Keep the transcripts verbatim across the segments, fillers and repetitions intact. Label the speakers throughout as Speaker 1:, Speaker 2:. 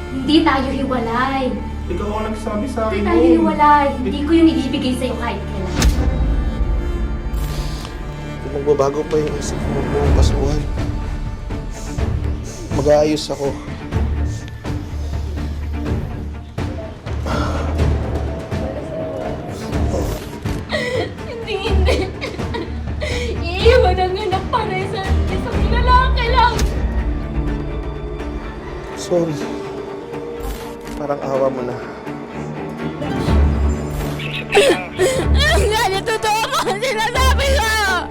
Speaker 1: Hindi tayo hiwalay.
Speaker 2: Ikaw ang nagsabi sa akin.
Speaker 1: Hindi tayo hiwalay. Hindi ko yun ibibigay sa'yo kahit kailan.
Speaker 3: Kung magbabago pa yung isip mo buong kasuhan, mag-aayos ako.
Speaker 1: Hindi, hindi. Iiwan ang anak para sa isang lalaki lang.
Speaker 3: Sorry. Parang awa mo na.
Speaker 1: Hindi, totoo mo ang sinasabi ko!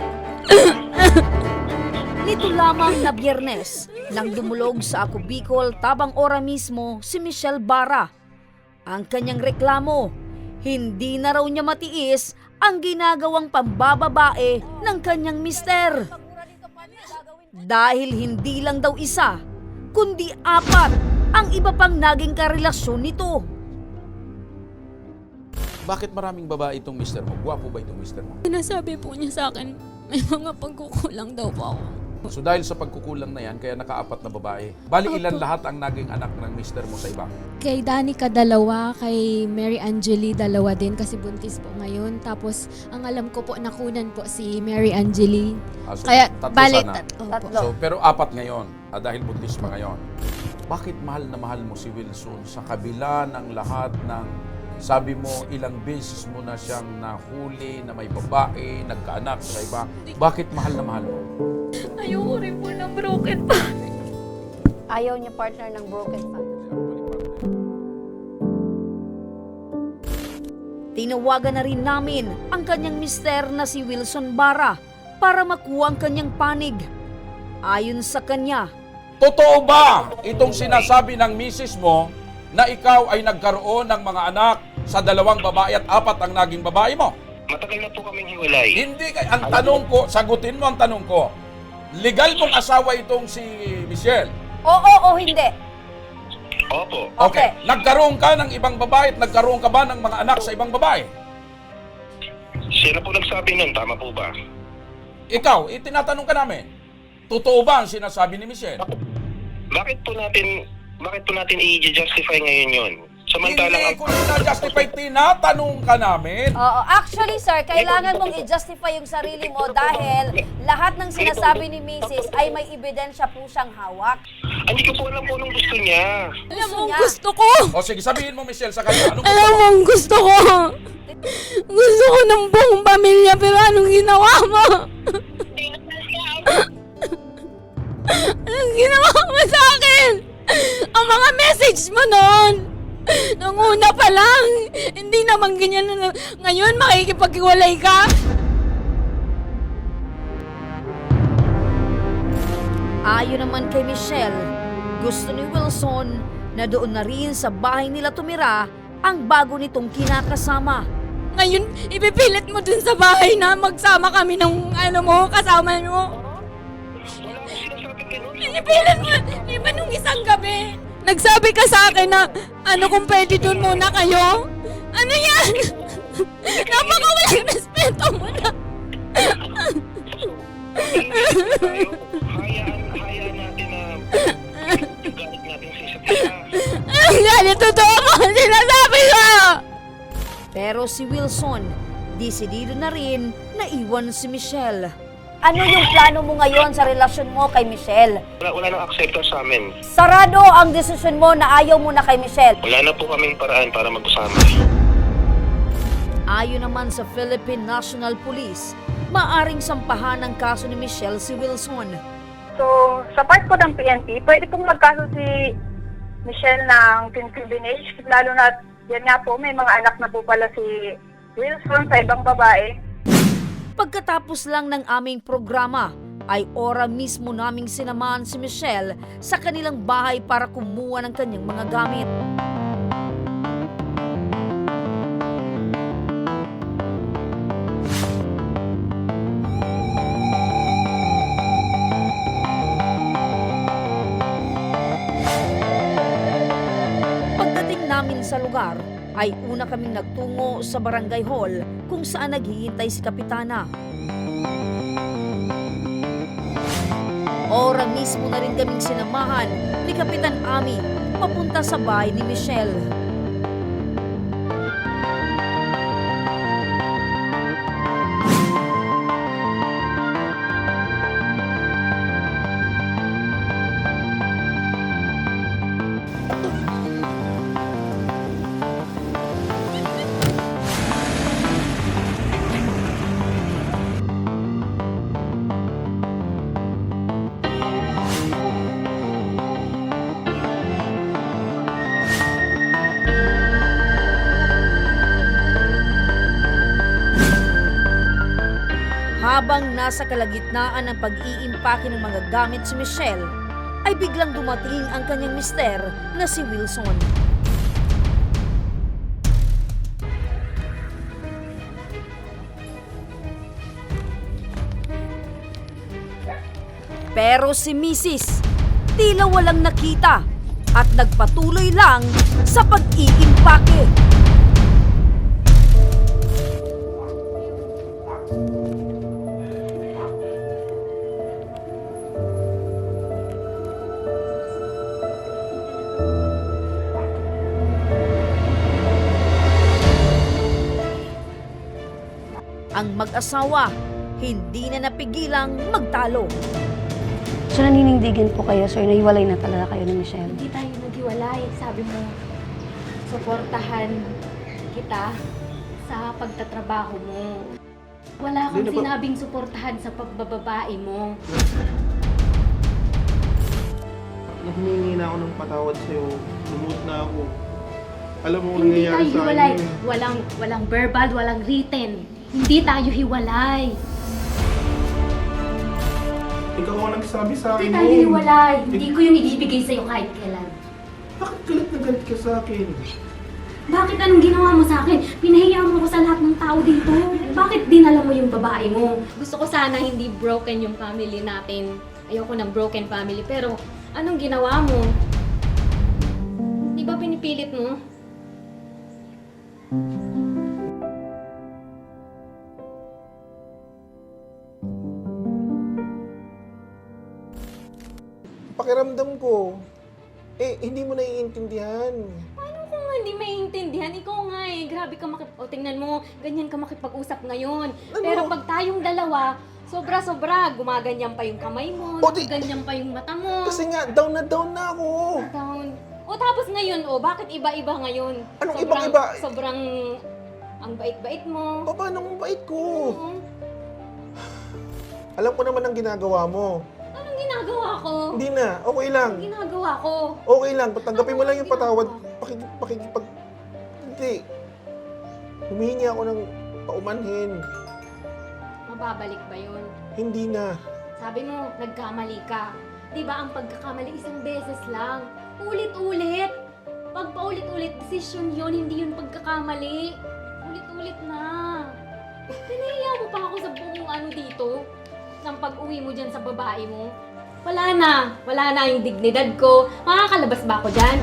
Speaker 4: Nito lamang na Biyernes, nang dumulog sa Ako Bicol tabang ora mismo si Michelle Barra. Ang kanyang reklamo, hindi na raw niya matiis ang ginagawang pambababae ng kanyang mister. Dahil hindi lang daw isa, kundi apat ang iba pang naging karelasyon nito.
Speaker 5: Bakit maraming babae itong mister mo? Gwapo ba itong mister mo?
Speaker 1: Sinasabi po niya sa akin, may mga pagkukulang daw po ako.
Speaker 5: So dahil sa pagkukulang na yan, kaya nakaapat na babae. Bali ilan lahat ang naging anak ng mister mo sa iba?
Speaker 6: Kay Danica dalawa, kay Mary Angeli dalawa din kasi buntis po ngayon. Tapos ang alam ko po nakunan po si Mary Angeli.
Speaker 5: Ah, so,
Speaker 6: Kaya
Speaker 5: tatlo
Speaker 6: bali
Speaker 5: sana.
Speaker 6: tat- opo.
Speaker 4: Tatlo.
Speaker 5: So, pero apat ngayon, ah, dahil buntis pa ngayon. Bakit mahal na mahal mo si Wilson sa kabila ng lahat ng sabi mo ilang beses mo na siyang nahuli na may babae, nagkaanak sa iba. Bakit mahal na mahal mo?
Speaker 1: Ayoko rin po ng broken family.
Speaker 4: Ayaw niya partner ng broken family. Tinawagan na rin namin ang kanyang mister na si Wilson Barra para makuha ang kanyang panig. Ayon sa kanya,
Speaker 5: Totoo ba itong sinasabi ng misis mo na ikaw ay nagkaroon ng mga anak sa dalawang babae at apat ang naging babae mo?
Speaker 2: Matagal na po kaming hiwalay.
Speaker 5: Hindi kay ang tanong ko, sagutin mo ang tanong ko. Legal mong asawa itong si Michelle?
Speaker 4: oo o hindi.
Speaker 2: Opo.
Speaker 5: Okay. Nagkaroon ka ng ibang babae at nagkaroon ka ba ng mga anak sa ibang babae?
Speaker 2: Siya na po nagsabi nun, tama po ba?
Speaker 5: Ikaw, itinatanong ka namin. Totoo ba ang sinasabi ni Michelle?
Speaker 2: Bakit po natin, bakit po natin i-justify ngayon yun? Samantalang
Speaker 5: Hindi ko na-justify, tinatanong ka namin.
Speaker 4: Oo, actually sir, kailangan mong i-justify yung sarili mo dahil lahat ng sinasabi ni Missus ay may ebidensya po siyang hawak.
Speaker 2: hindi ko po alam po anong gusto niya.
Speaker 1: Alam mo,
Speaker 4: niya.
Speaker 1: gusto ko!
Speaker 5: O sige, sabihin mo Michelle sa kanya. Anong gusto
Speaker 1: Alam
Speaker 5: mo?
Speaker 1: mo, ang gusto ko! Gusto ko ng buong pamilya, pero anong ginawa mo? Anong ginawa mo sa akin? Ang mga message mo noon! Nung una pa lang, hindi naman ganyan na ngayon makikipaghiwalay ka.
Speaker 4: Ayon naman kay Michelle, gusto ni Wilson na doon na rin sa bahay nila tumira ang bago nitong kinakasama.
Speaker 1: Ngayon, ipipilit mo dun sa bahay na magsama kami ng ano mo, kasama mo.
Speaker 2: Wala akong sinasabing ganun.
Speaker 1: Ipipilit mo, di ba nung isang gabi? Nagsabi ka sa akin na ano kung pwede dun muna kayo? Ano yan? Napakawalang respeto mo na.
Speaker 2: Tayo, hayaan, hayaan natin na galit natin sa isa't isa.
Speaker 1: Ang galit, totoo mo ang sinasabi ko!
Speaker 4: Pero si Wilson, desidido na rin na iwan si Michelle. Ano yung plano mo ngayon sa relasyon mo kay Michelle?
Speaker 2: Wala, wala nang acceptance sa amin.
Speaker 4: Sarado ang desisyon mo na ayaw mo na kay Michelle.
Speaker 2: Wala na po kaming paraan para mag-usama.
Speaker 4: Ayon naman sa Philippine National Police, maaring sampahan ng kaso ni Michelle si Wilson.
Speaker 7: So, sa part ko ng P N P, pwede pong magkaso si Michelle ng concubinage, lalo na yan nga po, may mga anak na po pala si Wilson sa ibang babae.
Speaker 4: Pagkatapos lang ng aming programa, ay ora mismo naming sinamahan si Michelle sa kanilang bahay para kumuha ng kanyang mga gamit. Pagdating namin sa lugar, ay una kaming nagtungo sa barangay hall kung saan naghihintay si Kapitana. Ora mismo na rin kaming sinamahan ni Kapitan Ami papunta papunta sa bahay ni Michelle. Habang nasa kalagitnaan ng pag-iimpake ng mga gamit si Michelle, ay biglang dumating ang kanyang mister na si Wilson. Pero si Missus tila walang nakita at nagpatuloy lang sa pag-iimpake. Ang mag-asawa hindi na napigilang magtalo.
Speaker 8: So naninindigan po kayo, sir, nahiwalay na talaga kayo ni Michelle?
Speaker 6: Hindi tayo naghiwalay. Sabi mo, suportahan kita sa pagtatrabaho mo. Wala akong
Speaker 3: Hindi na ba-
Speaker 6: sinabing suportahan sa pagbababae mo.
Speaker 3: Humingi na ako ng patawad sa'yo. Lumuot na ako. Alam mo kung
Speaker 6: Hindi
Speaker 3: nangyayari
Speaker 6: tayo
Speaker 3: sa
Speaker 6: hiwalay.
Speaker 3: akin. eh.
Speaker 6: Walang, walang verbal, walang written. Hindi tayo hiwalay.
Speaker 3: Ikaw ang nagsabi sa akin.
Speaker 6: Hindi tayo
Speaker 3: noon.
Speaker 6: hiwalay. Hindi ko yung ibibigay sa'yo kahit kailan.
Speaker 3: Bakit galit na galit ka sa akin?
Speaker 6: Bakit anong ginawa mo sa akin? Pinahiya mo ako sa lahat ng tao dito. Bakit dinala mo yung babae mo? Gusto ko sana hindi broken yung family natin. Ayoko ng broken family. Pero anong ginawa mo? Di ba pinipilit mo?
Speaker 3: Pakiramdam ko, eh, hindi mo naiintindihan.
Speaker 6: Ano kung hindi maintindihan? Ikaw nga eh. Grabe ka makip... O, tingnan mo. Ganyan ka makipag-usap ngayon.
Speaker 3: Ano?
Speaker 6: Pero pag tayong dalawa, sobra-sobra. Gumaganyan pa yung kamay mo.
Speaker 3: O, di-
Speaker 6: Ganyan pa yung mata mo.
Speaker 3: Kasi nga, down na down na ako.
Speaker 6: Down. O tapos ngayon, o bakit iba-iba ngayon?
Speaker 3: Anong
Speaker 6: sobrang,
Speaker 3: ibang-iba?
Speaker 6: Sobrang ang bait-bait mo.
Speaker 3: Pa- Paano mong bait ko?
Speaker 6: Oo.
Speaker 3: Alam ko naman ang ginagawa mo.
Speaker 6: Anong ginagawa ko?
Speaker 3: Hindi na, okay lang.
Speaker 6: Anong ginagawa ko?
Speaker 3: Okay lang, patanggapin mo lang yung patawad. Pakik pakikipag... Hindi. Humihingi ako ng paumanhin.
Speaker 6: Mababalik ba yun?
Speaker 3: Hindi na.
Speaker 6: Sabi mo, nagkamali ka. Di ba ang pagkakamali isang beses lang? Ulit-ulit. Pag paulit-ulit, decision yun, hindi yun pagkakamali. Ulit-ulit na. Pinahiya mo pa ako sa buong ano dito. Nang pag-uwi mo dyan sa babae mo. Wala na. Wala na yung dignidad ko. Makakalabas ba ako dyan?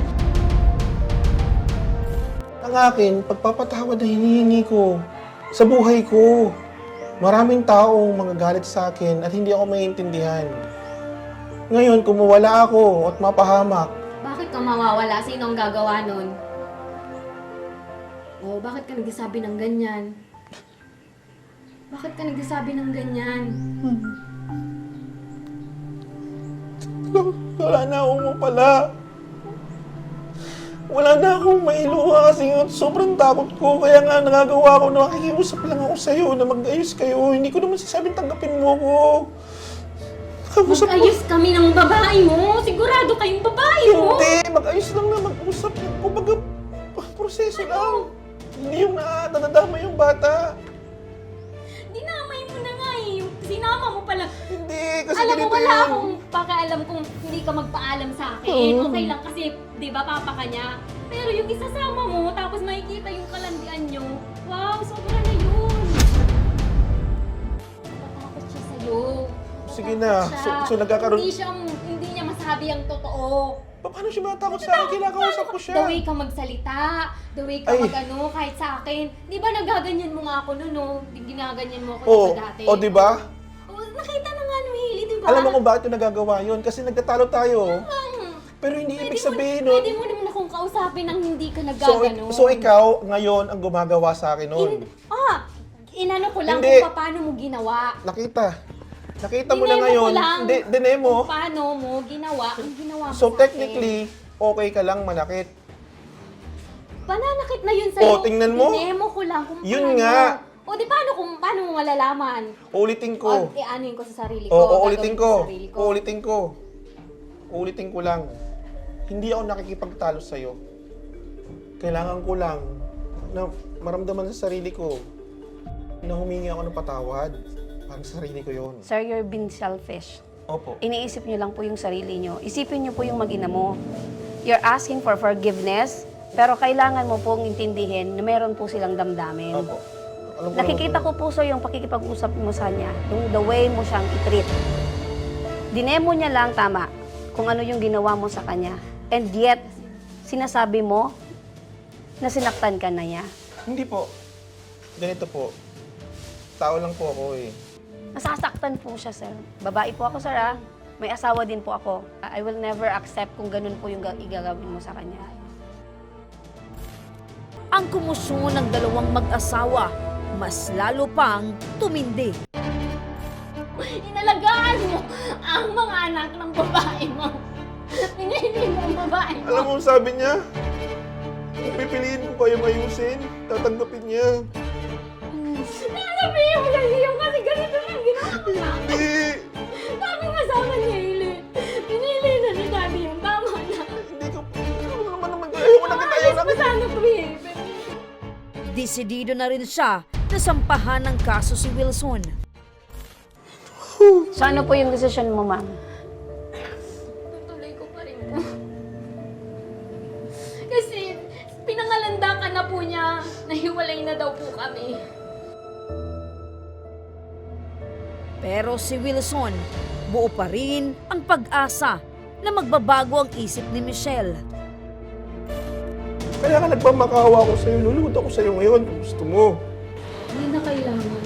Speaker 3: Ang akin, pagpapatawad na hinihingi ko sa buhay ko. Maraming taong mga galit sa akin at hindi ako maintindihan. Ngayon, kung mawala ako at mapahamak,
Speaker 6: Bakit ka mawawala? Sino ang gagawa nun? Oh, bakit ka nagsasabi ng ganyan? Bakit ka nagsasabi ng ganyan?
Speaker 3: wala na akong mapala. Wala na akong mailuha kasi nga sobrang takot ko. Kaya nga nagagawa ko na nakikiusap lang ako sa'yo na mag-ayos kayo. Hindi ko naman sasabing tanggapin mo ako. Kausap mo.
Speaker 6: Mag-ayos kami ng babae mo. Sigurado kayong babae mo.
Speaker 3: Hindi, mag-ayos lang na mag-usap. Kumbaga, proseso lang. Hindi yung na nadadama yung bata.
Speaker 6: Dinamay mo na nga eh. Yung Sinama mo pala.
Speaker 3: Hindi, kasi
Speaker 6: Alam mo,
Speaker 3: ganito
Speaker 6: wala
Speaker 3: yun.
Speaker 6: akong pakialam kung hindi ka magpaalam sa akin.
Speaker 3: Oo.
Speaker 6: Okay lang kasi, di ba, papa ka niya. Pero yung isasama mo, tapos makikita yung kalandian nyo. Wow, sobra na yun. Natakot siya sa'yo.
Speaker 3: Sige
Speaker 6: Natakot
Speaker 3: na.
Speaker 6: siya.
Speaker 3: So- so nagkakaroon-
Speaker 6: Hindi siya, hindi niya masabi ang totoo.
Speaker 3: Pa- Paano siya matakot sa akin? Kinakausap ko siya.
Speaker 6: The way ka magsalita, the way ka
Speaker 3: Ay.
Speaker 6: mag-ano, kahit sa akin. Di ba nagaganyan mo nga ako noon, no? Ginaganyan mo ako
Speaker 3: Oo.
Speaker 6: sa dati.
Speaker 3: O, di ba?
Speaker 6: Oh, nakita na nga nung hili, di ba?
Speaker 3: Alam mo kung bakit yung nagagawa yun? Kasi nagtatalo tayo.
Speaker 6: Hmm.
Speaker 3: Pero hindi ibig
Speaker 6: Pwede mo-
Speaker 3: sabihin nun.
Speaker 6: Pwede mo naman akong kausapin nang hindi ka
Speaker 3: So,
Speaker 6: nagagano.
Speaker 3: so ikaw, ngayon, ang gumagawa sa akin nun.
Speaker 6: In, ah, inano ko lang
Speaker 3: Hindi.
Speaker 6: kung paano mo ginawa.
Speaker 3: Nakita. Nakita mo na
Speaker 6: Dinemo
Speaker 3: ngayon.
Speaker 6: ko lang.
Speaker 3: Hindi, dinemo.
Speaker 6: Kung paano mo ginawa ang ginawa mo
Speaker 3: So,
Speaker 6: sa
Speaker 3: technically, okay ka lang manakit.
Speaker 6: akin. Pananakit na yun sa'yo.
Speaker 3: Oh, tingnan mo.
Speaker 6: Dinemo ko lang kung
Speaker 3: Yun
Speaker 6: paano.
Speaker 3: nga.
Speaker 6: O di paano kung paano mo malalaman?
Speaker 3: Uulitin ko.
Speaker 6: O i-anuin ko sa sarili ko.
Speaker 3: Oo, uulitin
Speaker 6: gagawin
Speaker 3: ko.
Speaker 6: sa sarili ko.
Speaker 3: Uulitin ko. Uulitin ko lang. Hindi ako nakikipagtalo sa'yo. Kailangan ko lang na maramdaman sa sarili ko na humingi ako ng patawad. Para sa sarili ko yun.
Speaker 8: Sir, you're being selfish.
Speaker 3: Opo.
Speaker 8: Iniisip niyo lang po yung sarili niyo. Isipin niyo po yung mag-ina mo. You're asking for forgiveness, pero kailangan mo pong intindihin na meron po silang damdamin.
Speaker 3: Opo. Alam ko
Speaker 8: Nakikita
Speaker 3: naman
Speaker 8: ko po, sir, yung pakikipag-usap mo sa kanya, yung the way mo siyang i-treat. Dinemo niya lang tama kung ano yung ginawa mo sa kanya. And yet, sinasabi mo na sinaktan ka na niya.
Speaker 3: Hindi po. Ganito po. Tao lang po ako eh.
Speaker 8: Nasasaktan po siya, sir. Babae po ako, sir, ah. May asawa din po ako. I will never accept kung ganun po yung ga- igagawin mo sa kanya.
Speaker 4: Ang kumusyon ng dalawang mag-asawa, mas lalo pang tumindi.
Speaker 6: Inalagaan mo ang mga anak ng babae mo. Pinili mo ang babae mo.
Speaker 3: Alam mo, sabi niya, kung pipiliin ko kayong ayusin, tatanggapin niya.
Speaker 6: Sabihin mo lang yung kasi ganito lang ginawa mo sa akin.
Speaker 3: Hindi!
Speaker 6: Sabi nga sa akin niya, Ili. Pinili na ni Daddy yung tama na.
Speaker 3: Hindi ko, ano naman naman, ayaw na kita, ayaw na
Speaker 6: Ayos mo
Speaker 3: kita.
Speaker 6: sana to eh.
Speaker 4: Desidido na rin siya na sampahan ng kaso si Wilson.
Speaker 8: So ano po yung decision mo, ma'am?
Speaker 6: Tutuloy ko pa rin po. Kasi pinangalanda ka na po niya. Nahiwalay na daw po kami.
Speaker 4: Pero si Wilson, buo pa rin ang pag-asa na magbabago ang isip ni Michelle.
Speaker 3: Kaya ka nagpamakawa ako sa'yo, lulunod ako sa'yo ngayon kung gusto mo.
Speaker 6: Hindi na kailangan.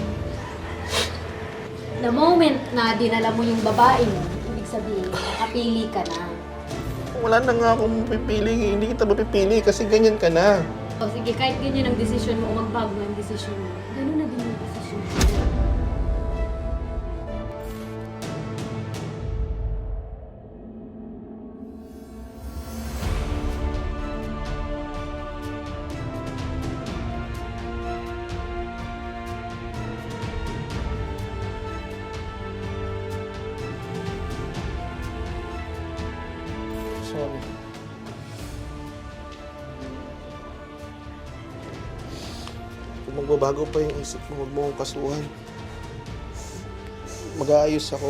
Speaker 6: The moment na dinala mo yung babae mo, ibig sabihin, nakapili ka na.
Speaker 3: Wala na nga akong pipili, hindi kita mapipili kasi ganyan ka na.
Speaker 6: O sige, kahit ganyan ang desisyon mo, magbago ang desisyon mo. Ganun na din yung desisyon mo.
Speaker 3: Sorry. Kung magbabago pa yung isip mo, huwag mo akong kasuhan. Mag-aayos ako.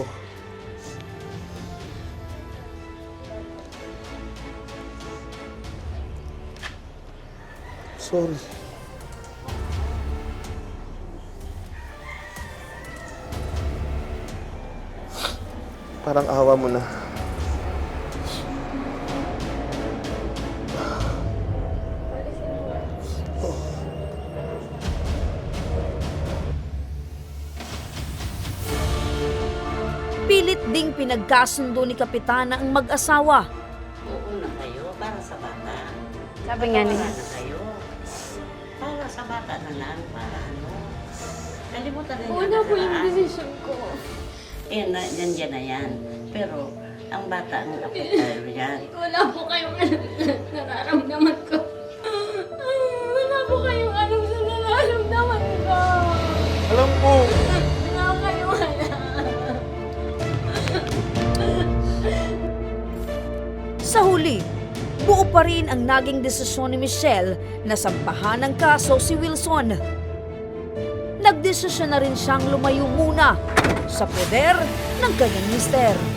Speaker 3: Sorry. Parang awa mo na.
Speaker 4: Pilit ding pinagkasundo ni Kapitana ang mag-asawa.
Speaker 9: Oo na kayo, para sa bata.
Speaker 8: Sabi nga
Speaker 9: Para
Speaker 8: niya.
Speaker 9: na kayo. Para sa bata na lang, para ano. Kalimutan na
Speaker 6: Una po yung desisyon ko.
Speaker 9: Eh, na, yan dyan na yan. Pero, ang bata ang apektado yan.
Speaker 6: Wala po kayong alam sa nararamdaman ko. Wala po kayong alam sa nararamdaman ko.
Speaker 3: Alam ko!
Speaker 6: Wala kayong alam.
Speaker 4: Sa huli, buo pa rin ang naging desisyon ni Michelle na sampahan ng kaso si Wilson. Nagdesisyon na rin siyang lumayo muna sa poder ng kanyang mister.